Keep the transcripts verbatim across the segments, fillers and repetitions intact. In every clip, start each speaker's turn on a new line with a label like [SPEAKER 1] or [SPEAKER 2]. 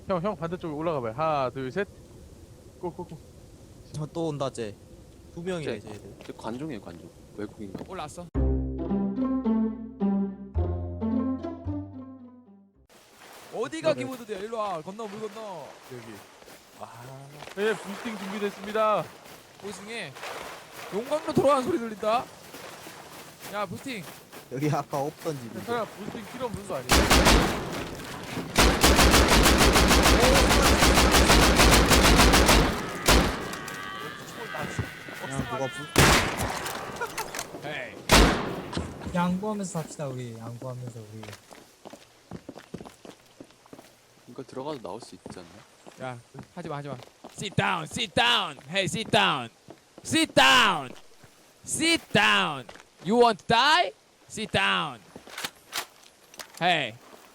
[SPEAKER 1] 형, 형 반대쪽에 올라가봐요. 하나, 둘, 셋. 꼬꼬꼬.
[SPEAKER 2] 저 또 온다 쟤. 두 명이야
[SPEAKER 3] 쟤.
[SPEAKER 2] 이제 얘들.
[SPEAKER 3] 저 관종이에요 관종. 외국인가?
[SPEAKER 4] 올라왔어. 어디가
[SPEAKER 1] 그러네.
[SPEAKER 4] 키보드야? 일로 와. 건너 물 건너.
[SPEAKER 1] 여기. 아, 네, 부스팅 준비됐습니다.
[SPEAKER 4] 보승에 용광로 돌아가는 소리 들린다. 야 부스팅.
[SPEAKER 2] 여기 아까 없던 집인데.
[SPEAKER 1] 괜찮아, 부스팅 필요 없는 거 아니야?
[SPEAKER 2] 그냥 누가 불.
[SPEAKER 4] 에이.
[SPEAKER 5] 양보하면서 삽시다 우리. 양보하면서 우리.
[SPEAKER 3] 이거 들어가도 나올 수 있지 않나?
[SPEAKER 4] 야 하지마 하지마. Sit down, sit down. Hey, sit down. Sit down. Sit down. You want to die? Sit down. Hey.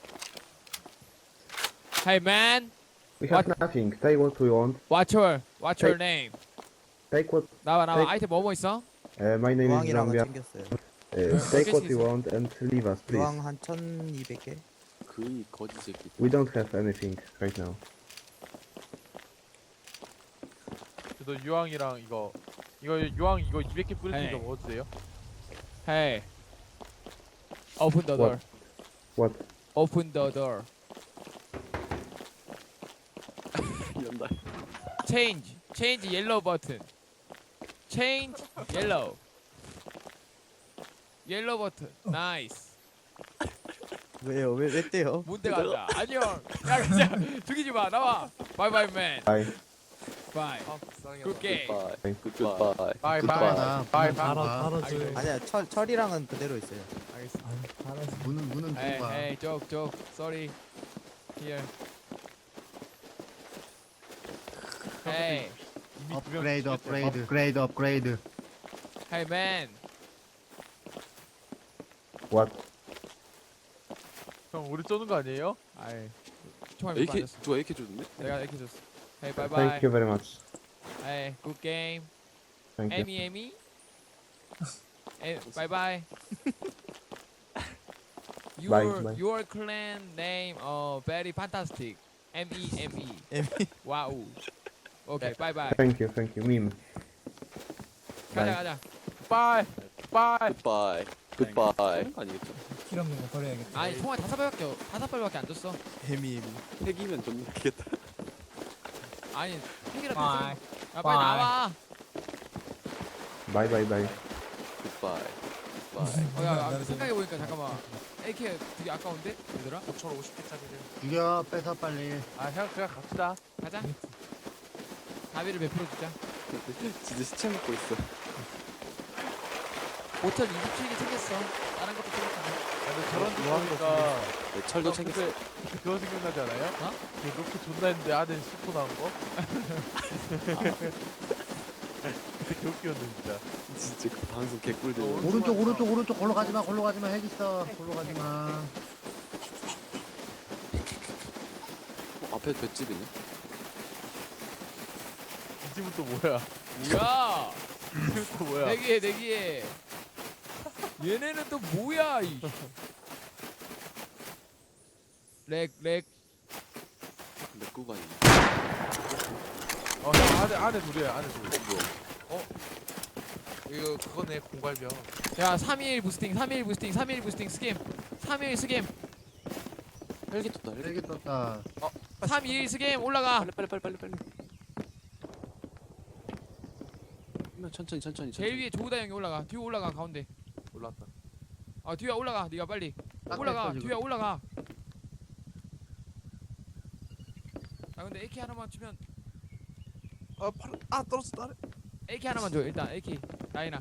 [SPEAKER 4] Hey man,
[SPEAKER 6] We have
[SPEAKER 4] What?
[SPEAKER 6] nothing. Take what we want.
[SPEAKER 4] what's your what's your
[SPEAKER 6] Hey.
[SPEAKER 4] name?
[SPEAKER 6] Take what.
[SPEAKER 4] 나와 나와.
[SPEAKER 6] Hey.
[SPEAKER 4] 아이템 뭐뭐 있어?
[SPEAKER 6] Uh, my name is
[SPEAKER 2] 유황이랑은
[SPEAKER 6] Zambia.
[SPEAKER 2] 챙겼어요.
[SPEAKER 6] Uh, take what
[SPEAKER 4] Okay,
[SPEAKER 6] you want and leave us, please.
[SPEAKER 2] 유황 한 천이백 개.
[SPEAKER 3] 그 거지 새끼.
[SPEAKER 6] We don't have anything right now.
[SPEAKER 1] 너 유황이랑 이거 이거 유황 이거 이백 개 뿌릴 테니까
[SPEAKER 4] 에이.
[SPEAKER 1] 먹어도 돼요?
[SPEAKER 4] Hey. Open the door.
[SPEAKER 6] What?
[SPEAKER 4] Open the door.
[SPEAKER 3] 연다.
[SPEAKER 4] Change. Change yellow button. Change yellow. Yellow button. Nice.
[SPEAKER 2] 왜요? 왜 왜 떼요?
[SPEAKER 4] 뭔데 간다. 안녕. 야 그냥 죽이지 마. 나와. Bye bye man.
[SPEAKER 6] Bye.
[SPEAKER 4] Bye.
[SPEAKER 1] 아, 불쌍해.
[SPEAKER 4] Good game.
[SPEAKER 3] 굿바이.
[SPEAKER 6] Bye.
[SPEAKER 3] 굿바이.
[SPEAKER 1] 바이
[SPEAKER 3] 굿바이.
[SPEAKER 1] 바이 바이
[SPEAKER 5] 달아
[SPEAKER 1] 바이.
[SPEAKER 5] 달아줘.
[SPEAKER 2] 아니야 철 철이랑은 그대로 있어요.
[SPEAKER 4] 알겠어.
[SPEAKER 5] 달아줘.
[SPEAKER 7] 문은 문은
[SPEAKER 4] Hey
[SPEAKER 7] 누가?
[SPEAKER 4] hey joke joke. Sorry. Here. Hey.
[SPEAKER 7] 업그레이드 업그레이드 업그레이드 업그레이드.
[SPEAKER 4] Hey man.
[SPEAKER 6] What?
[SPEAKER 1] 형 우리 쏘는 거 아니에요?
[SPEAKER 4] 아이. 총알 몇번
[SPEAKER 3] 에이케이
[SPEAKER 4] 줬어.
[SPEAKER 3] 누가 에이케이 줬는데?
[SPEAKER 4] 내가 이렇게 줬어. Hey bye bye.
[SPEAKER 6] Thank you very much.
[SPEAKER 4] Hey good game.
[SPEAKER 6] Thank you.
[SPEAKER 4] Amy Amy. Hey, bye bye. Your
[SPEAKER 6] Bye, bye.
[SPEAKER 4] your clan name uh very fantastic. M E M E.
[SPEAKER 2] M E.
[SPEAKER 4] Wow. Okay, bye bye.
[SPEAKER 6] Thank you. Thank you. Meme.
[SPEAKER 4] 가자
[SPEAKER 6] Bye.
[SPEAKER 4] 가자.
[SPEAKER 1] 바이 바이.
[SPEAKER 3] 굿바이. 굿바이. 아니겠죠?
[SPEAKER 5] 필요 없는 거 버려야겠다.
[SPEAKER 4] 아니 총알 다섯 발밖에 어- 다섯 발밖에 안 줬어.
[SPEAKER 2] 해미 해미.
[SPEAKER 3] 핵이면 좀 웃기겠다.
[SPEAKER 4] 아니 핵이라도
[SPEAKER 5] 바이.
[SPEAKER 4] 있어. 야 빨리 나와.
[SPEAKER 6] Bye. Bye. Bye.
[SPEAKER 3] 굿바이. 굿바이.
[SPEAKER 4] 어, 야, 야 생각해 보니까 잠깐만. 에이케이 되게 아까운데 얘들아.
[SPEAKER 1] 오천오십 개짜리를.
[SPEAKER 7] 죽여 뺏어 빨리.
[SPEAKER 1] 아, 형 그냥 갑시다.
[SPEAKER 4] 가자. 가비를 몇 프로 주자.
[SPEAKER 3] 진짜 시체 먹고 있어.
[SPEAKER 4] 오천이십칠 개 챙겼어. 다른 것도 챙겼잖아.
[SPEAKER 1] 아, 근데 저런 데
[SPEAKER 2] 유황도
[SPEAKER 1] 보니까
[SPEAKER 3] 네, 철도
[SPEAKER 1] 형,
[SPEAKER 3] 챙겼어.
[SPEAKER 1] 그때 그때 그거 생각나지 않아요?
[SPEAKER 4] 어?
[SPEAKER 1] 그 로켓 존나 했는데 안에 스포 나온 거? 그때 개웃기였는데 진짜.
[SPEAKER 3] 진짜 그 방송 개꿀들.
[SPEAKER 1] 어,
[SPEAKER 7] 오른쪽 오른쪽 오른쪽 골로 가지 마. 골로 가지 마. 핵 있어. 골로 가지 마.
[SPEAKER 3] 어, 앞에 볏집이네.
[SPEAKER 1] 이 집은 또 뭐야?
[SPEAKER 4] 뭐야?
[SPEAKER 1] 이 집은 또 뭐야?
[SPEAKER 4] 내기해 내기해. 얘네는 또 뭐야 이. 렉 렉.
[SPEAKER 3] 내 꾸가 있네.
[SPEAKER 1] 어, 형 안에 안에 둘이야 안에 둘.
[SPEAKER 3] 어 뭐야?
[SPEAKER 1] 이거 그거네 공갈병.
[SPEAKER 4] 야 삼일 부스팅 삼일 부스팅 삼일 부스팅 스캠 삼일 스캠
[SPEAKER 3] 헬기 떴다. 헬기
[SPEAKER 7] 핵이 떴다.
[SPEAKER 4] 삼일 스캠 올라가.
[SPEAKER 3] 빨리 빨리 빨리 빨리 빨리. 그러면 천천히 천천히.
[SPEAKER 4] 제일
[SPEAKER 3] 천천히.
[SPEAKER 4] 위에 조우다 형이 올라가. 뒤에 올라가 가운데.
[SPEAKER 1] 올랐다.
[SPEAKER 4] 아 뒤에 올라가. 네가 빨리
[SPEAKER 7] 딱
[SPEAKER 4] 올라가.
[SPEAKER 7] 됐어, 지금.
[SPEAKER 4] 뒤에 올라가. 아 근데 에이케이 하나만 주면
[SPEAKER 1] 아, 팔, 아 떨어졌어 나를.
[SPEAKER 4] 에이케이 하나만 줘. 일단 에이케이 라인아.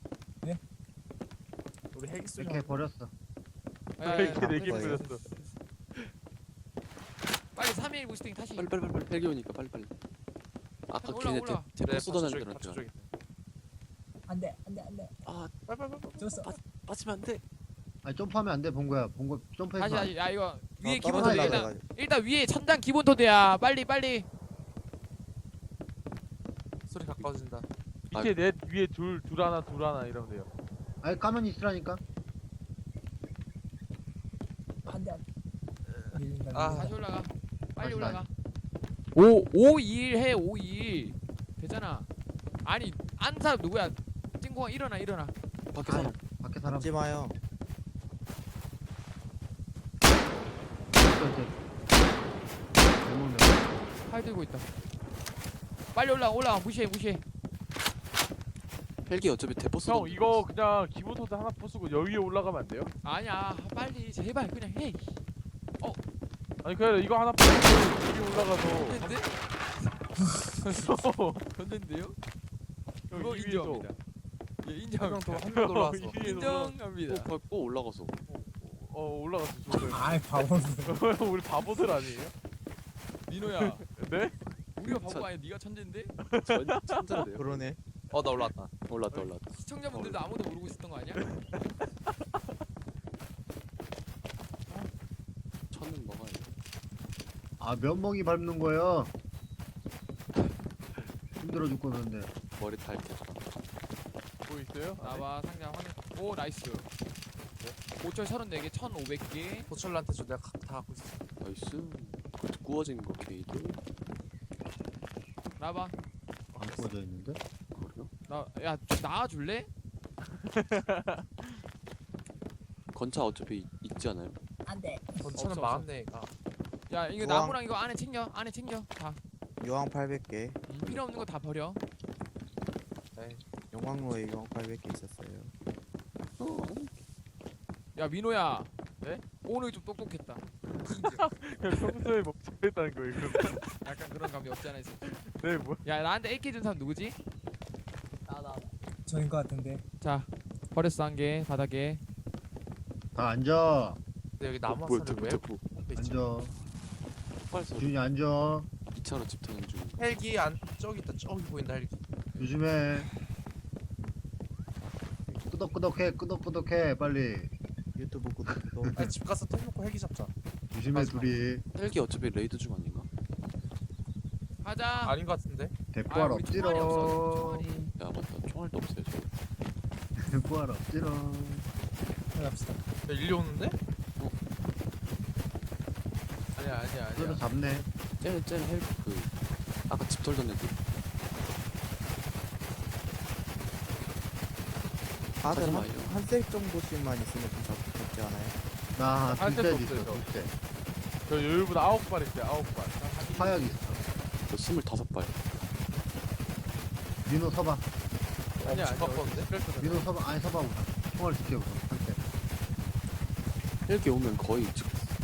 [SPEAKER 1] 우리 핵 있어.
[SPEAKER 7] 이렇게 버렸어.
[SPEAKER 4] 야, 야, 야,
[SPEAKER 1] 이렇게
[SPEAKER 4] 야,
[SPEAKER 1] 내기
[SPEAKER 4] 됐어,
[SPEAKER 1] 뿌렸어.
[SPEAKER 4] 됐어, 됐어. 빨리 삼일 부스팅 다시.
[SPEAKER 3] 빨리 빨리 빨리 빨리. 헬기 오니까 빨리 빨리. 아까
[SPEAKER 4] 올라,
[SPEAKER 3] 걔네
[SPEAKER 4] 올라.
[SPEAKER 3] 대- 대포 쏟아내는 데한테.
[SPEAKER 5] 안돼 안돼 안돼.
[SPEAKER 3] 아
[SPEAKER 1] 빨빨빨빨.
[SPEAKER 5] 줬어.
[SPEAKER 3] 빠지면 안 돼.
[SPEAKER 7] 아니 점프하면 안 돼. 본거야. 본거 점프해서.
[SPEAKER 4] 다시 다시. 야 이거 위에
[SPEAKER 2] 어,
[SPEAKER 4] 기본 토대
[SPEAKER 7] 떨어지려고
[SPEAKER 4] 일단
[SPEAKER 2] 해가지고.
[SPEAKER 4] 일단 위에 천장 기본 토대야. 빨리 빨리.
[SPEAKER 1] 소리 가까워진다.
[SPEAKER 3] 아,
[SPEAKER 1] 밑에 넷 위에 둘 둘 하나 둘 하나 이러면 돼요.
[SPEAKER 7] 아니 가만히 있으라니까.
[SPEAKER 5] 안돼 안돼. 밀린다
[SPEAKER 1] 아.
[SPEAKER 5] 밀린다.
[SPEAKER 4] 다시 올라가. 빨리
[SPEAKER 7] 다시,
[SPEAKER 4] 올라가. 오 오이일 해 오이일 되잖아. 아니 안 사람 누구야? 찐공아 일어나 일어나.
[SPEAKER 3] 밖에 사람.
[SPEAKER 7] 밖에 사람.
[SPEAKER 2] 하지 마요.
[SPEAKER 4] 팔 들고 있다. 빨리 올라 올라가 무시해 무시해.
[SPEAKER 3] 헬기 어차피 대포 쏘.
[SPEAKER 1] 형 이거 그냥 기본 토대 하나 부수고 여기에 올라가면 안 돼요?
[SPEAKER 4] 아니야 빨리 제발 그냥 해.
[SPEAKER 1] 아니 그래 이거 하나 부수고 여기 올라가서
[SPEAKER 4] 했는데? 졌는데요? 그거
[SPEAKER 1] 여기 위에서
[SPEAKER 4] 인정합니다. 예 인정합니다.
[SPEAKER 1] 한명더한 명 올라왔어.
[SPEAKER 4] 인정합니다.
[SPEAKER 3] 또 밟고 올라가서.
[SPEAKER 1] 어 올라갔어. 저거.
[SPEAKER 5] 아이 바보들.
[SPEAKER 1] 우리 바보들 아니에요?
[SPEAKER 4] 민호야
[SPEAKER 1] 네?
[SPEAKER 4] 우리가 바보가 아니야 네가 천재인데?
[SPEAKER 3] 전 천재인데요.
[SPEAKER 2] 그러네.
[SPEAKER 8] 어 나 올라왔다.
[SPEAKER 3] 올랐다 올랐다.
[SPEAKER 4] 시청자분들도 아무도 모르고 있었던 거 아니야?
[SPEAKER 3] 천은 먹어야 돼.
[SPEAKER 7] 아 면목이 밟는 거예요. 힘들어 죽겠는데.
[SPEAKER 3] 머리 탈 때.
[SPEAKER 1] 뭐 있어요?
[SPEAKER 4] 나와 상자 확인. 오 나이스. 오철 서른네 개 천오백 개.
[SPEAKER 8] 도철한테 줘 내가 가- 다 갖고 있어.
[SPEAKER 3] 나이스. 그 구워진 거 게이드.
[SPEAKER 4] 나봐.
[SPEAKER 7] 안 구워져 있는데?
[SPEAKER 3] 그래요?
[SPEAKER 4] 나야 나와줄래?
[SPEAKER 3] 건차 어차피 있- 있지 않아요?
[SPEAKER 5] 안돼.
[SPEAKER 8] 전차는
[SPEAKER 4] 없어,
[SPEAKER 8] 망했네 얘가.
[SPEAKER 4] 야 이거
[SPEAKER 2] 우왕.
[SPEAKER 4] 나무랑 이거 안에 챙겨 안에 챙겨 다.
[SPEAKER 2] 요왕 팔백 개.
[SPEAKER 4] 필요 없는 거 다 버려.
[SPEAKER 2] 용광로에 요왕 팔백 개 있었어요.
[SPEAKER 3] 어.
[SPEAKER 4] 야 민호야.
[SPEAKER 1] 네?
[SPEAKER 4] 오늘 좀 똑똑했다.
[SPEAKER 1] 그냥 평소에 뭐 잘했다는 거예요. 그럼.
[SPEAKER 4] 약간 그런 감이 없지 않아 있어.
[SPEAKER 1] 네 뭐?
[SPEAKER 4] 야 나한테 에이케이 준 사람 누구지?
[SPEAKER 5] 저인 것 같은데.
[SPEAKER 4] 자 버렸어 한 개 바닥에.
[SPEAKER 7] 다 앉아.
[SPEAKER 8] 근데 여기 나무
[SPEAKER 3] 뭐야
[SPEAKER 8] 화살을
[SPEAKER 3] 대포
[SPEAKER 8] 왜
[SPEAKER 3] 대포.
[SPEAKER 8] 앞에 있지?
[SPEAKER 7] 앉아.
[SPEAKER 3] 폭발소.
[SPEAKER 7] 준이 앉아.
[SPEAKER 3] 이 차로 집 타는 중.
[SPEAKER 8] 헬기 안 저기 있다 저기 보인다 헬기.
[SPEAKER 7] 조심해. 끄덕끄덕해 끄덕끄덕해 빨리.
[SPEAKER 2] 유튜브 구독도.
[SPEAKER 8] 아니 집 가서 텔 놓고 헬기 잡자.
[SPEAKER 7] 조심해
[SPEAKER 8] 맞아.
[SPEAKER 7] 둘이.
[SPEAKER 3] 헬기 어차피 레이드 중 아닌가?
[SPEAKER 4] 가자.
[SPEAKER 8] 아닌 것 같은데.
[SPEAKER 7] 대포할
[SPEAKER 4] 우리 총알이 없어.
[SPEAKER 7] 없지롱.
[SPEAKER 4] 총알이.
[SPEAKER 3] 야 맞다. 총알도 없어요 저.
[SPEAKER 7] 대포할 없지롱.
[SPEAKER 5] 갑시다.
[SPEAKER 8] 야 일리 오는데?
[SPEAKER 1] 아니야 아니야
[SPEAKER 7] 그래도
[SPEAKER 1] 아니야.
[SPEAKER 7] 잡네.
[SPEAKER 3] 쟤는 쟤는 헬기 그 아까 집 털던 애들.
[SPEAKER 2] 다들
[SPEAKER 3] 하지
[SPEAKER 2] 한,
[SPEAKER 3] 마요.
[SPEAKER 2] 한색 정도씩만 있으면 좀 잡- 잡지 않아요?
[SPEAKER 7] 나
[SPEAKER 1] 할
[SPEAKER 7] 둘째
[SPEAKER 1] 데도
[SPEAKER 7] 있어
[SPEAKER 1] 없어요,
[SPEAKER 7] 둘째.
[SPEAKER 1] 저 여유보다 아홉 발 있어요. 아홉 발.
[SPEAKER 7] 화약 있어.
[SPEAKER 3] 저 스물다섯 발.
[SPEAKER 7] 민호 서봐.
[SPEAKER 1] 아니야
[SPEAKER 8] 집
[SPEAKER 1] 아니야.
[SPEAKER 8] 바꿨는데?
[SPEAKER 1] 그랬어.
[SPEAKER 7] 민호 서봐. 아니 서봐 우선. 총알 지켜 우선. 한대.
[SPEAKER 3] 헬기 오면 거의 즉.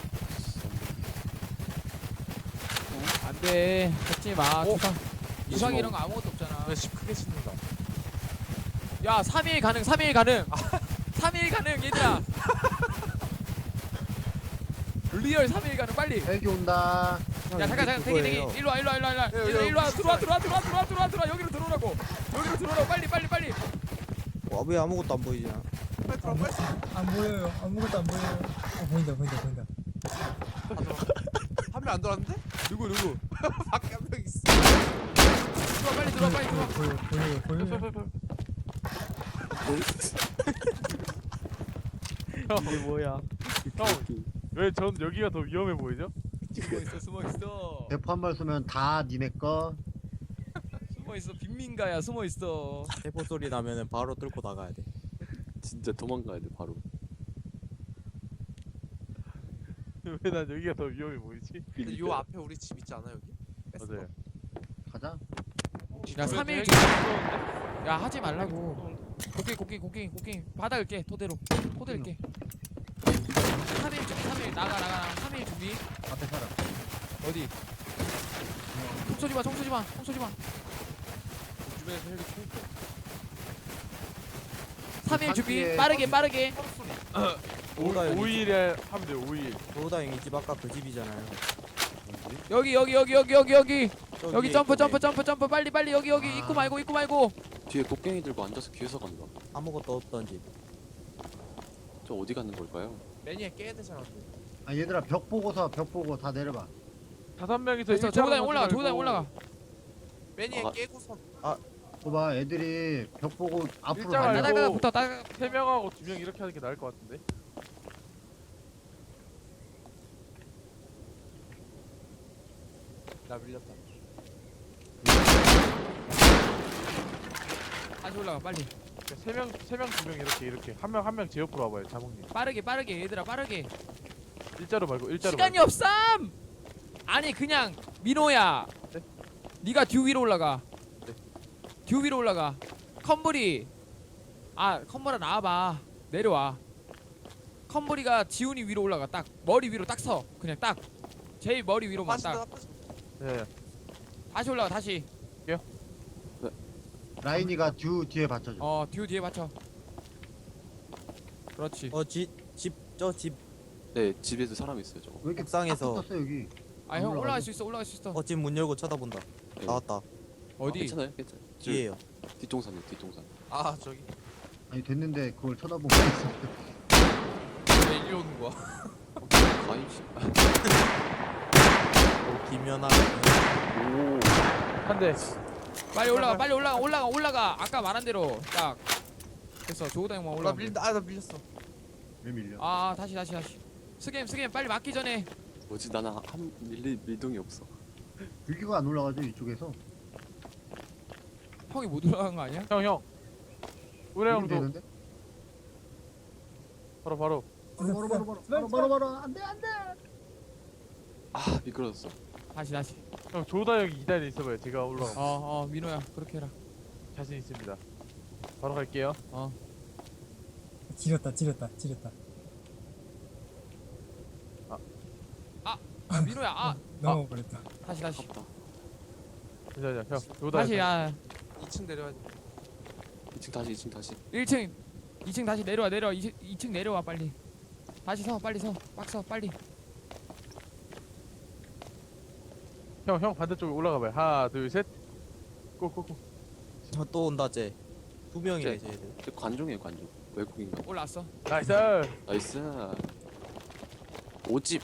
[SPEAKER 4] 안돼 하지 마.
[SPEAKER 8] 어?
[SPEAKER 4] 주상 주상
[SPEAKER 3] 이십오.
[SPEAKER 4] 이런 거 아무것도 없잖아.
[SPEAKER 8] 왜집 크게 짓는다.
[SPEAKER 4] 야 삼 일 가능 삼 일 가능. 삼 일 가능 얘들아. 리얼 삼 일 가능 빨리.
[SPEAKER 7] 헬기 온다.
[SPEAKER 4] 야 잠깐 잠깐 대기 대기 일로 와 일로 와 일로 와 일로 와
[SPEAKER 8] 야,
[SPEAKER 4] 얘들아
[SPEAKER 8] 야,
[SPEAKER 4] 일로 와 들어와 들어와 들어와 들어와 들어와 들어와 여기로 들어오라고 여기로 들어오라고 빨리 빨리 빨리.
[SPEAKER 2] 와, 왜 아무것도 안 보이냐?
[SPEAKER 5] 안, 보, 안 보여요. 아무것도 안 보여요. 어 보인다 보인다 보인다.
[SPEAKER 8] 한 명 안 들어왔는데?
[SPEAKER 4] 누구 누구
[SPEAKER 8] 밖에 한 명 있어.
[SPEAKER 4] 들어와 빨리 들어와 빨리 들어와.
[SPEAKER 5] 보여 보여 보여.
[SPEAKER 2] 이게 뭐야?
[SPEAKER 1] 왜 전 여기가 더 위험해 보이죠?
[SPEAKER 4] 숨어 있어 숨어 있어
[SPEAKER 7] 대포 한 발 쏘면 다 니네 거.
[SPEAKER 4] 숨어 있어 빈민가야 숨어 있어.
[SPEAKER 2] 대포 소리 나면은 바로 뚫고 나가야 돼.
[SPEAKER 3] 진짜 도망가야 돼 바로.
[SPEAKER 1] 왜 난 여기가 더 위험해 보이지?
[SPEAKER 8] 근데 요 앞에 우리 집 있지 않아 여기? 뺐어.
[SPEAKER 1] 맞아요.
[SPEAKER 7] 가자.
[SPEAKER 4] 야 삼 일
[SPEAKER 1] 헬기
[SPEAKER 4] 주
[SPEAKER 1] 무서운데?
[SPEAKER 4] 야 하지 말라고. 곡괭이 곡괭이 곡괭이 곡괭이 바닥을 깨 토대로 토대를 깨. 삼 일 준비 삼 일 나가 나가 나가 삼 일 준비.
[SPEAKER 7] 앞에 사람.
[SPEAKER 4] 어디? 총 쏘지 마, 총 쏘지 마, 총 쏘지 마.
[SPEAKER 3] 주변에서 헬기 총.
[SPEAKER 4] 삼 일 준비,
[SPEAKER 7] 상기에
[SPEAKER 4] 빠르게, 빠르게.
[SPEAKER 2] 오다 여기.
[SPEAKER 1] 오 일에 하면 돼요. 오 일.
[SPEAKER 2] 도우다 형이 집 아까 그 집이잖아요.
[SPEAKER 4] 여기, 여기, 여기, 여기, 여기, 여기.
[SPEAKER 2] 저기
[SPEAKER 4] 여기 점프,
[SPEAKER 2] 이쪽에
[SPEAKER 4] 점프, 점프, 점프, 빨리, 빨리, 여기, 여기.
[SPEAKER 7] 아.
[SPEAKER 4] 입구 말고, 입구 말고.
[SPEAKER 3] 뒤에 곡괭이 들고 앉아서 뒤에서 간다.
[SPEAKER 2] 아무것도 없던 집.
[SPEAKER 3] 저 어디 가는 걸까요?
[SPEAKER 8] 매니에 깨야 되잖아.
[SPEAKER 7] 아 얘들아 벽 보고서 벽 보고 다 내려봐.
[SPEAKER 1] 다섯 명이서
[SPEAKER 4] 됐어,
[SPEAKER 1] 일자로
[SPEAKER 4] 조구다니
[SPEAKER 1] 가지
[SPEAKER 4] 올라가,
[SPEAKER 1] 말고.
[SPEAKER 4] 조구다니 올라가.
[SPEAKER 8] 매니에
[SPEAKER 3] 아.
[SPEAKER 8] 깨고선
[SPEAKER 7] 봐봐 애들이 벽 보고 앞으로
[SPEAKER 1] 일자로
[SPEAKER 7] 달려.
[SPEAKER 1] 알고.
[SPEAKER 4] 따다가 붙어, 따다가.
[SPEAKER 1] 세 명하고 두 명 이렇게 하는 게 나을 것 같은데.
[SPEAKER 8] 나 밀렸다.
[SPEAKER 4] 다시 올라가 빨리.
[SPEAKER 1] 세명 세 명 두 명 이렇게 이렇게 한 명 한 명 제 옆으로 와봐요 자몽님.
[SPEAKER 4] 빠르게 빠르게 얘들아 빠르게.
[SPEAKER 1] 일자로 말고 일자로.
[SPEAKER 4] 시간이
[SPEAKER 1] 말고.
[SPEAKER 4] 없삼. 아니 그냥 민호야.
[SPEAKER 1] 네?
[SPEAKER 4] 네가 듀 위로 올라가.
[SPEAKER 1] 네.
[SPEAKER 4] 듀 위로 올라가. 컴브리. 아 컴브라 나와봐. 내려와. 컴브리가 지훈이 위로 올라가. 딱 머리 위로 딱 서. 그냥 딱. 제일 머리 위로만
[SPEAKER 8] 빠진다.
[SPEAKER 4] 딱.
[SPEAKER 8] 빠진다.
[SPEAKER 1] 네.
[SPEAKER 4] 다시 올라가 다시.
[SPEAKER 7] 라인이가 듀 뒤에 받쳐줘.
[SPEAKER 4] 어 듀 뒤에 받쳐. 그렇지.
[SPEAKER 2] 어집집저집
[SPEAKER 3] 네 집에도 사람 있어요 저거.
[SPEAKER 7] 왜 이렇게
[SPEAKER 2] 옥상에서.
[SPEAKER 7] 딱 붙었어 여기?
[SPEAKER 4] 아 형
[SPEAKER 7] 올라가죠?
[SPEAKER 4] 올라갈 수 있어 올라갈 수 있어.
[SPEAKER 2] 어 집 문 열고 쳐다본다.
[SPEAKER 3] 네.
[SPEAKER 2] 나왔다.
[SPEAKER 4] 어디?
[SPEAKER 3] 괜찮아요 괜찮아요. 저
[SPEAKER 2] 뒤에요.
[SPEAKER 3] 뒷동산이요 뒷동산.
[SPEAKER 8] 아 저기.
[SPEAKER 7] 아니 됐는데 그걸 쳐다보고 있어.
[SPEAKER 8] 왜 이리 오는 거야?
[SPEAKER 3] 가입 씨.
[SPEAKER 2] 어, 김연아.
[SPEAKER 3] 오.
[SPEAKER 1] 한 대.
[SPEAKER 4] 빨리 올라가 빨리 올라가 올라가 올라가. 아까 말한 대로 딱. 됐어 조우다 형만
[SPEAKER 8] 나
[SPEAKER 4] 올라가.
[SPEAKER 8] 밀린다. 아나 밀렸어.
[SPEAKER 7] 왜 밀려?
[SPEAKER 4] 아 다시 다시 다시. 스겜 스겜 빨리 맞기 전에.
[SPEAKER 3] 뭐지 나는 한 밀리 밀동이 없어.
[SPEAKER 7] 여기가 안 올라가죠 이쪽에서.
[SPEAKER 4] 형이 못 올라간 거 아니야?
[SPEAKER 1] 형 형. 우리
[SPEAKER 7] 여기
[SPEAKER 1] 형도
[SPEAKER 7] 되는데?
[SPEAKER 1] 바로 바로.
[SPEAKER 7] 바로 바로 바로 바로 바로 바로 안돼 안돼.
[SPEAKER 3] 아 미끄러졌어.
[SPEAKER 4] 다시 다시.
[SPEAKER 1] 형 조다 형이 이 단에 있어봐요. 제가 올라가.
[SPEAKER 4] 어어 민호야 그렇게 해라.
[SPEAKER 1] 자신 있습니다. 바로 갈게요.
[SPEAKER 5] 지렸다 지렸다 지렸다.
[SPEAKER 4] 아 민호야 아
[SPEAKER 5] 넘어버렸다.
[SPEAKER 4] 다시 다시.
[SPEAKER 3] 아깝다.
[SPEAKER 1] 잠시만요. 형 조다
[SPEAKER 4] 다시
[SPEAKER 1] 형.
[SPEAKER 4] 야
[SPEAKER 8] 이 층 내려야 돼.
[SPEAKER 3] 이 층 다시 이 층 다시.
[SPEAKER 4] 일 층 이 층 다시 내려와 내려와 이 층 내려와 빨리. 다시 서 빨리 서 빡 서 빨리.
[SPEAKER 1] 형, 형 반대쪽에 올라가봐요. 하나, 둘, 셋. 고고고.
[SPEAKER 2] 어, 또 온다 쟤. 두 명이네
[SPEAKER 3] 쟤.
[SPEAKER 2] 쟤들.
[SPEAKER 3] 저 관종이에요 관종. 외국인가?
[SPEAKER 4] 올라왔어.
[SPEAKER 1] 나이스.
[SPEAKER 3] 나이스. 오집.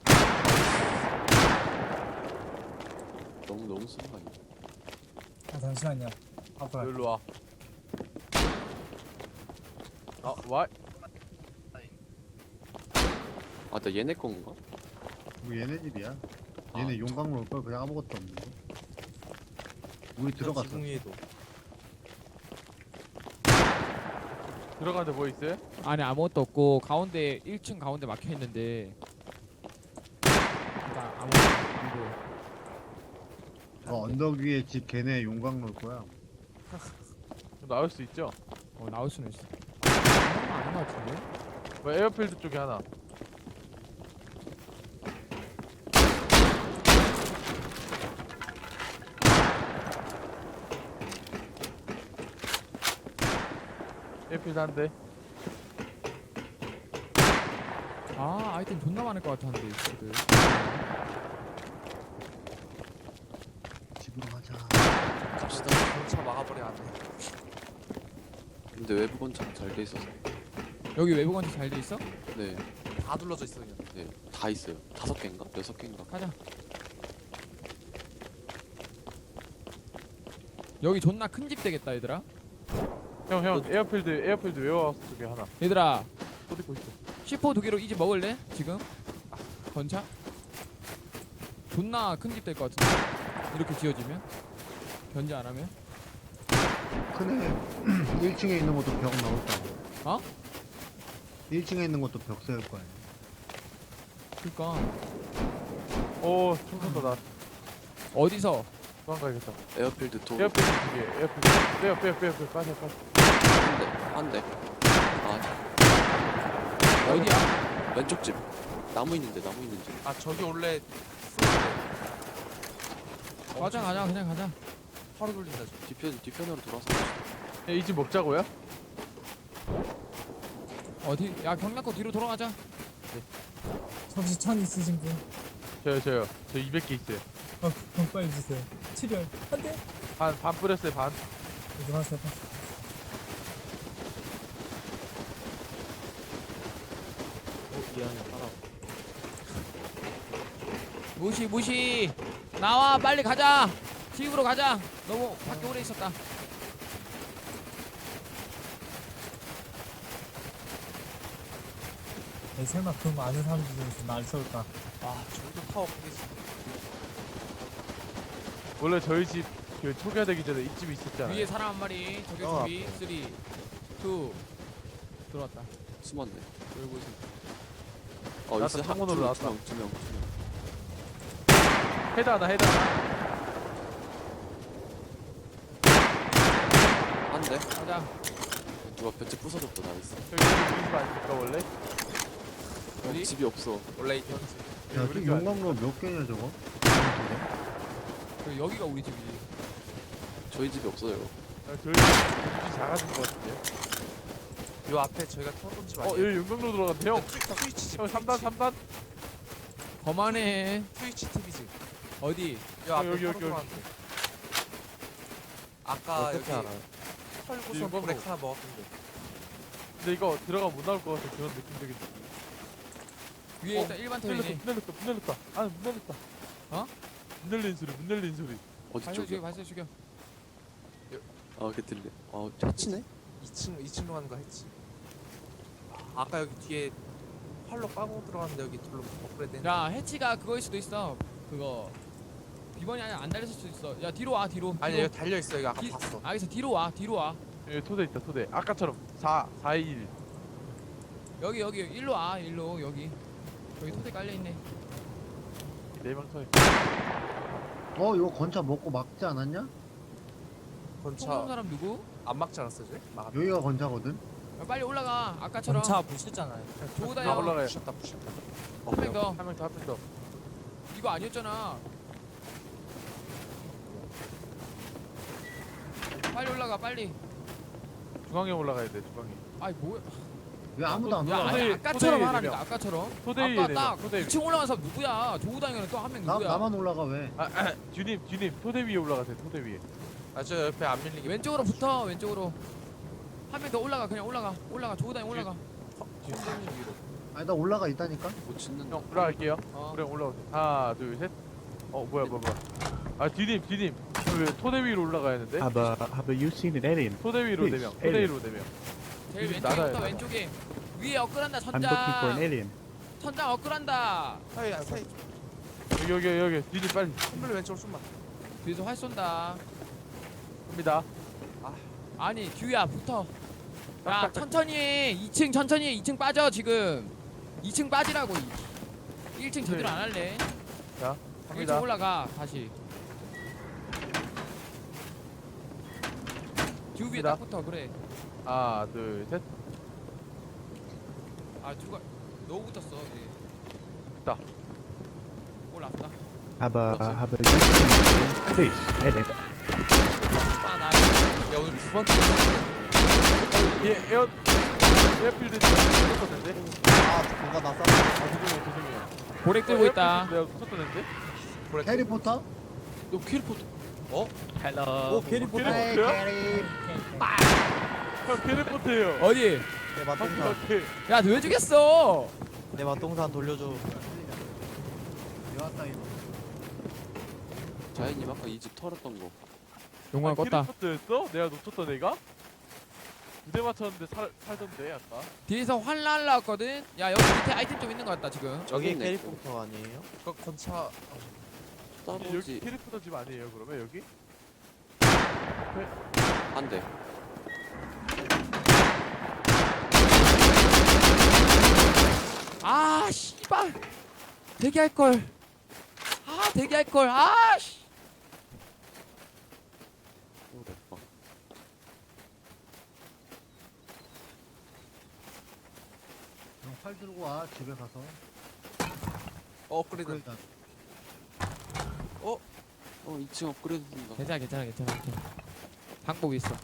[SPEAKER 3] 너무 너무 쓴거 아니야?
[SPEAKER 5] 아 잠시만요. 앞으로 갈게요.
[SPEAKER 1] 여기로 와. 아, 와.
[SPEAKER 3] 아, 나 얘네 건가?
[SPEAKER 7] 뭐 얘네 집이야.
[SPEAKER 3] 아,
[SPEAKER 7] 얘네 용광로 올걸 그냥 아무것도 없는 거. 우리 들어갔어.
[SPEAKER 2] 지붕 위에도.
[SPEAKER 1] 들어가는데 뭐 있어요?
[SPEAKER 4] 안에 아무것도 없고 가운데 일 층 가운데 막혀 있는데. 일단 아무것도 안 보여.
[SPEAKER 7] 어 언덕 위에 집 걔네 용광로 올 거야.
[SPEAKER 1] 나올 수 있죠?
[SPEAKER 4] 어 나올 수는 있어. 아닌 것 같은데?
[SPEAKER 1] 뭐 에어필드 쪽에 하나. 에어필드 한 대.
[SPEAKER 4] 아 아이템 존나 많을 것 같았는데 지금.
[SPEAKER 7] 집으로 가자.
[SPEAKER 3] 갑시다.
[SPEAKER 8] 경차 막아버려 안 돼.
[SPEAKER 3] 근데 외부 건축 잘 돼 있어서.
[SPEAKER 4] 여기 외부 건축 잘 돼 있어?
[SPEAKER 3] 네,
[SPEAKER 8] 다 둘러져 있어 그냥.
[SPEAKER 3] 네, 다 있어요. 다섯 개인가? 여섯 개인가?
[SPEAKER 4] 가자. 여기 존나 큰 집 되겠다 얘들아.
[SPEAKER 1] 형, 형, 에어필드, 에어필드 웨어하우스 쪽에 하나.
[SPEAKER 4] 얘들아
[SPEAKER 1] 또 듣고 있어.
[SPEAKER 4] 씨포 두 개로 이 집 먹을래? 지금? 건차? 존나 큰 집 될 것 같은데 이렇게 지어지면? 견제 안 하면?
[SPEAKER 7] 큰애 일 층에 있는 것도 벽 나올 거야.
[SPEAKER 4] 어?
[SPEAKER 7] 일 층에 있는 것도 벽 세울 거야.
[SPEAKER 4] 그니까
[SPEAKER 1] 오, 총 쏜다, 나.
[SPEAKER 4] 어디서?
[SPEAKER 1] 도망가야겠다.
[SPEAKER 3] 에어필드 도.
[SPEAKER 1] 에어필드 두 개, 에어필드. 빼요, 빼요, 빼요, 빼요. 빠져, 빠져.
[SPEAKER 3] 한 대, 한 대. 아,
[SPEAKER 4] 어디야?
[SPEAKER 3] 왼쪽 집. 나무 있는데, 나무 있는 집.
[SPEAKER 8] 아 저기 원래
[SPEAKER 4] 가자 가자 그냥 가자.
[SPEAKER 8] 화로 돌린다 저.
[SPEAKER 3] 뒤편, 뒤편으로 돌아서.
[SPEAKER 1] 이 집 먹자고요?
[SPEAKER 4] 어디? 야 경락고 뒤로 돌아가자.
[SPEAKER 5] 혹시 천 있으신 분?
[SPEAKER 1] 저요, 저요. 저 이백 개 있어요.
[SPEAKER 5] 어 그럼 빨리 주세요. 칠열 한대.
[SPEAKER 1] 반, 반 뿌렸어요, 반.
[SPEAKER 5] 여기 왔어요.
[SPEAKER 2] 어 미안해 살아.
[SPEAKER 4] 무시 무시. 나와 빨리 가자. 집으로 가자. 너무 밖에 오래 있었다.
[SPEAKER 5] 에 설마 그럼 아는 사람들 중에서 날 쏠까?
[SPEAKER 8] 아 저기도 타워 거기 있어.
[SPEAKER 1] 원래 저희 집 그 초기화되기 전에 이 집이 있었잖아요.
[SPEAKER 4] 위에 사람 한 마리. 저격
[SPEAKER 2] 어,
[SPEAKER 4] 준비. 삼, 이 들어왔다.
[SPEAKER 3] 숨었네.
[SPEAKER 4] 열고 있어.
[SPEAKER 3] 어
[SPEAKER 1] 나왔다,
[SPEAKER 3] 있어.
[SPEAKER 1] 창문으로 나왔다.
[SPEAKER 3] 두명두명 두 명.
[SPEAKER 1] 헤드 하나 헤드 하나.
[SPEAKER 3] 안 돼.
[SPEAKER 4] 가자.
[SPEAKER 3] 누가 벤치 부숴줬다. 나이스.
[SPEAKER 1] 저기 우리 집 아닙니까 원래?
[SPEAKER 4] 어디?
[SPEAKER 3] 집이 없어.
[SPEAKER 8] 원래 있던
[SPEAKER 7] 야,
[SPEAKER 1] 우리
[SPEAKER 7] 저
[SPEAKER 1] 집 아니-
[SPEAKER 7] 용광로 몇 개냐 저거?
[SPEAKER 4] 그리고 여기가 우리 집이지.
[SPEAKER 3] 저희 집이 없어요.
[SPEAKER 1] 아, 저희 집이 작아진 것 같은데요.
[SPEAKER 8] 요 앞에 저희가 털어둔 집
[SPEAKER 1] 어
[SPEAKER 8] 아니에요?
[SPEAKER 1] 여기 용광로 들어갔는데 형.
[SPEAKER 8] 트위- 트위치 집
[SPEAKER 1] 형 삼 단 삼 단.
[SPEAKER 4] 거만해.
[SPEAKER 8] 트위치 티비 집.
[SPEAKER 4] 어디?
[SPEAKER 8] 요 앞에
[SPEAKER 1] 여기, 여기,
[SPEAKER 8] 털어둔 아까 여기
[SPEAKER 2] 어떻게 알아요?
[SPEAKER 8] 털고선
[SPEAKER 1] 일본어.
[SPEAKER 8] 브렉 하나 먹었던데.
[SPEAKER 1] 근데 이거 들어가 못 나올 것 같아 그런 느낌적인.
[SPEAKER 4] 위에
[SPEAKER 1] 어,
[SPEAKER 4] 일단 일반
[SPEAKER 1] 문 열렸다
[SPEAKER 4] 터이네.
[SPEAKER 1] 문 열렸다 문 열렸다. 아 문 열렸다.
[SPEAKER 4] 어?
[SPEAKER 1] 문 열린 소리 문 열린 소리.
[SPEAKER 3] 어디
[SPEAKER 4] 발소 죽여,
[SPEAKER 3] 쪽이야?
[SPEAKER 4] 발소 죽여.
[SPEAKER 3] 아, 걔 들려. 어, 차치네?
[SPEAKER 8] 이 층 이 층로 가는 거 했지. 아, 아까 여기 뒤에 활로 까고 들어갔는데 여기 둘로 업그레이드 했는데.
[SPEAKER 4] 야, 해치가 그거일 수도 있어. 그거 비번이 아니라 안 달렸을 수도 있어. 야, 뒤로 와, 뒤로.
[SPEAKER 8] 아니
[SPEAKER 4] 뒤로.
[SPEAKER 8] 여기 달려 있어. 여기 아까
[SPEAKER 4] 기-
[SPEAKER 8] 봤어.
[SPEAKER 4] 알겠어, 뒤로 와, 뒤로 와.
[SPEAKER 1] 여기 토대 있다 토대. 아까처럼 사 사 일.
[SPEAKER 4] 여기 여기 일로 와, 일로 여기. 여기 토대 깔려 있네.
[SPEAKER 1] 네명 서.
[SPEAKER 7] 어 이거 건차 먹고 막지 않았냐?
[SPEAKER 4] 총 쏜
[SPEAKER 8] 건차
[SPEAKER 4] 사람 누구?
[SPEAKER 8] 안 막지 않았어 쟤? 막.
[SPEAKER 7] 여기가 건차거든.
[SPEAKER 4] 야, 빨리 올라가. 아까처럼.
[SPEAKER 2] 전차 부시잖아요.
[SPEAKER 4] 조우
[SPEAKER 1] 아,
[SPEAKER 4] 다녀.
[SPEAKER 1] 올라가요.
[SPEAKER 8] 부셨다 부셨다.
[SPEAKER 4] 한 명 더.
[SPEAKER 1] 한 명 더 한 명 더.
[SPEAKER 4] 이거 아니었잖아. 빨리 올라가, 빨리.
[SPEAKER 1] 중앙에 올라가야 돼 중앙에.
[SPEAKER 4] 아이 뭐야?
[SPEAKER 7] 왜 아무도 안
[SPEAKER 4] 야,
[SPEAKER 7] 올라가?
[SPEAKER 4] 아니
[SPEAKER 1] 토대-
[SPEAKER 4] 아까처럼
[SPEAKER 1] 토대에
[SPEAKER 4] 하라니까.
[SPEAKER 1] 네 명.
[SPEAKER 4] 아까처럼.
[SPEAKER 1] 토대 위에
[SPEAKER 4] 아까
[SPEAKER 1] 네
[SPEAKER 4] 딱
[SPEAKER 1] 명. 토대 위에.
[SPEAKER 4] 이 층 올라간 사람 누구야? 조우 다니는 또 한 명
[SPEAKER 7] 나
[SPEAKER 4] 누구야?
[SPEAKER 7] 나만 올라가 왜?
[SPEAKER 1] 아, 아 뒤님 뒤님 토대 위에 올라가세요 토대 위에.
[SPEAKER 8] 아저 옆에 안 밀리게.
[SPEAKER 4] 왼쪽으로 붙어, 왼쪽으로. 한 명 더 올라가, 그냥 올라가, 올라가. 조우 다니 올라가.
[SPEAKER 8] 손님 위로.
[SPEAKER 7] 아니 나 올라가 있다니까.
[SPEAKER 3] 못 짓는다.
[SPEAKER 1] 형 올라갈게요.
[SPEAKER 4] 어.
[SPEAKER 1] 그래 올라오세요. 하나 둘 셋. 어 뭐야 뭐야 뭐야. 아 뒤님 뒤님. 왜 토대 위로 올라가야 하는데?
[SPEAKER 6] Have, uh, have you seen an alien?
[SPEAKER 1] 토대 위로 네 명. 토대
[SPEAKER 6] 에이.
[SPEAKER 1] 위로 네 명.
[SPEAKER 4] 제일
[SPEAKER 1] 뒤집
[SPEAKER 4] 왼쪽부터
[SPEAKER 1] 나가요, 나가.
[SPEAKER 4] 왼쪽에. 위에 업글한다,
[SPEAKER 6] I'm looking for an
[SPEAKER 4] 천장.
[SPEAKER 6] alien.
[SPEAKER 4] 천장 업글한다.
[SPEAKER 8] 사이 사이.
[SPEAKER 1] 여기 여기 여기 뒤님 빨리
[SPEAKER 8] 손블리 왼쪽으로 좀만.
[SPEAKER 4] 뒤에서 활 쏜다.
[SPEAKER 1] 갑니다.
[SPEAKER 4] 아니, 듀야 붙어. 야,
[SPEAKER 1] 딱, 딱, 딱.
[SPEAKER 4] 천천히 해. 이 층 천천히 해. 이 층 빠져, 지금. 이 층 빠지라고. 일 층 제대로 안 할래.
[SPEAKER 1] 자
[SPEAKER 4] 일 층
[SPEAKER 1] 갑니다.
[SPEAKER 4] 올라가, 다시. 듀 위에
[SPEAKER 1] 갑니다.
[SPEAKER 4] 딱 붙어, 그래.
[SPEAKER 1] 하나 둘 셋.
[SPEAKER 4] 아, 듀가 너무 붙었어. 예.
[SPEAKER 1] 됐다.
[SPEAKER 4] 올라왔다.
[SPEAKER 6] Have, uh, have you seen an alien? Please, alien.
[SPEAKER 4] 아, 나
[SPEAKER 8] 야 오늘 두 번째.
[SPEAKER 1] 예 에어 에어필드 붙었는데.
[SPEAKER 2] 아, 누가 나 쌌어?
[SPEAKER 1] 아 죄송해요 죄송해요.
[SPEAKER 4] 고렉 들고 있다.
[SPEAKER 1] 내가 붙었는데.
[SPEAKER 7] 해리포터?
[SPEAKER 3] 너 캐리포트.
[SPEAKER 2] 오, 캐리포터.
[SPEAKER 1] 캐리- 뭐야? 형 캐리포트예요.
[SPEAKER 4] 어디?
[SPEAKER 2] 내
[SPEAKER 1] 바퀴
[SPEAKER 2] 맛동산.
[SPEAKER 1] 바퀴.
[SPEAKER 4] 야, 너 왜 죽였어?
[SPEAKER 2] 내 맛동산 돌려줘.
[SPEAKER 7] 여왔다 이거.
[SPEAKER 3] 자연님 아까 이 집 털었던 거.
[SPEAKER 4] 용광 껐다.
[SPEAKER 1] 캐리포트였어? 내가 놓쳤던 애가? 무대 맞췄는데 살 살던데 아까.
[SPEAKER 4] 뒤에서 활 날라왔거든. 야, 여기 밑에 아이템 좀 있는 것 같다, 지금.
[SPEAKER 3] 저기
[SPEAKER 2] 여기
[SPEAKER 3] 있네.
[SPEAKER 2] 캐리포터 아니에요?
[SPEAKER 8] 그 건차.
[SPEAKER 1] 여기
[SPEAKER 3] 따로지.
[SPEAKER 1] 캐리포터 집 아니에요 그러면 여기?
[SPEAKER 3] 안 돼.
[SPEAKER 4] 아, 씨발. 대기할 걸. 아, 대기할 걸. 아, 씨.
[SPEAKER 3] 오, 대박.
[SPEAKER 7] 형, 활 들고 와 집에 가서.
[SPEAKER 8] 어, 업그레이드.
[SPEAKER 7] 그러니까
[SPEAKER 3] 어, 이 층 업그레이드 된다.
[SPEAKER 4] 괜찮아, 괜찮아, 괜찮아, 괜찮아. 방법이 있어.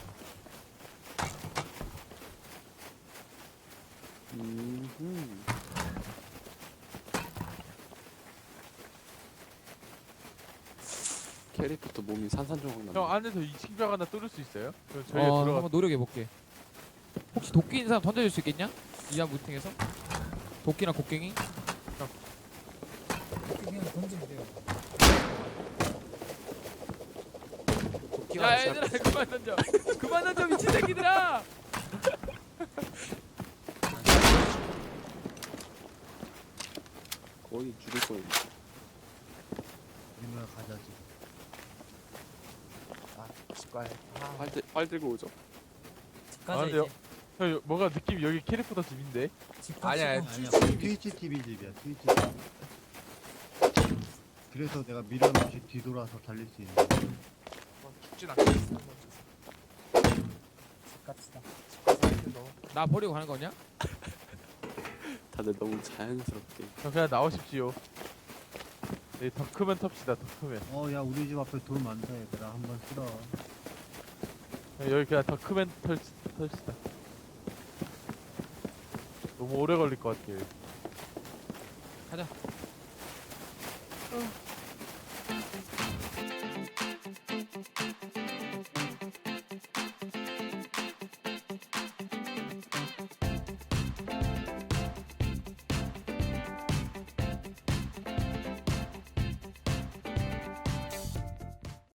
[SPEAKER 3] 음. 캐리포트 몸이 산산조각 난다.
[SPEAKER 1] 형 안에서 이 층벽 하나 뚫을 수 있어요? 그럼 저희가
[SPEAKER 4] 어,
[SPEAKER 1] 들어가.
[SPEAKER 4] 한번 노력해 볼게. 혹시 도끼 있는 사람 던져줄 수 있겠냐? 이하 무팅에서? 도끼나 곡괭이?
[SPEAKER 5] 그냥 던지면 돼요.
[SPEAKER 8] 도끼가
[SPEAKER 4] 야, 얘들아, 그만 던져. 그만 던져, 미친 새끼들아.
[SPEAKER 3] 거의 죽을 거예요.
[SPEAKER 7] 우리만 가자지.
[SPEAKER 8] 집 가야 아,
[SPEAKER 3] 빨, 들- 빨 들고 오죠.
[SPEAKER 5] 집 가자
[SPEAKER 1] 아, 근데요?
[SPEAKER 5] 이제.
[SPEAKER 1] 형 여- 뭔가 느낌이 여기 캐릭터다 집인데.
[SPEAKER 5] 집
[SPEAKER 8] 아니야,
[SPEAKER 5] 갑시다.
[SPEAKER 8] 아니야.
[SPEAKER 7] 트위치, 트위치 티비 집이야 트위치 티비. 그래서 내가 미련 없이 뒤돌아서 달릴 수 있는 거야.
[SPEAKER 8] 어, 죽진 않겠어.
[SPEAKER 5] 집 갑시다.
[SPEAKER 4] 나 버리고 가는 거냐?
[SPEAKER 3] 다들 너무 자연스럽게.
[SPEAKER 1] 형 그냥 나오십시오. 네, 더 크면 텁시다. 더 크면.
[SPEAKER 7] 어, 야, 우리 집 앞에 돌 많다, 얘들아. 한번 쓸어.
[SPEAKER 1] 형, 여기 그냥 더 크면 털 털시다. 너무 오래 걸릴 것 같아요.
[SPEAKER 4] 가자.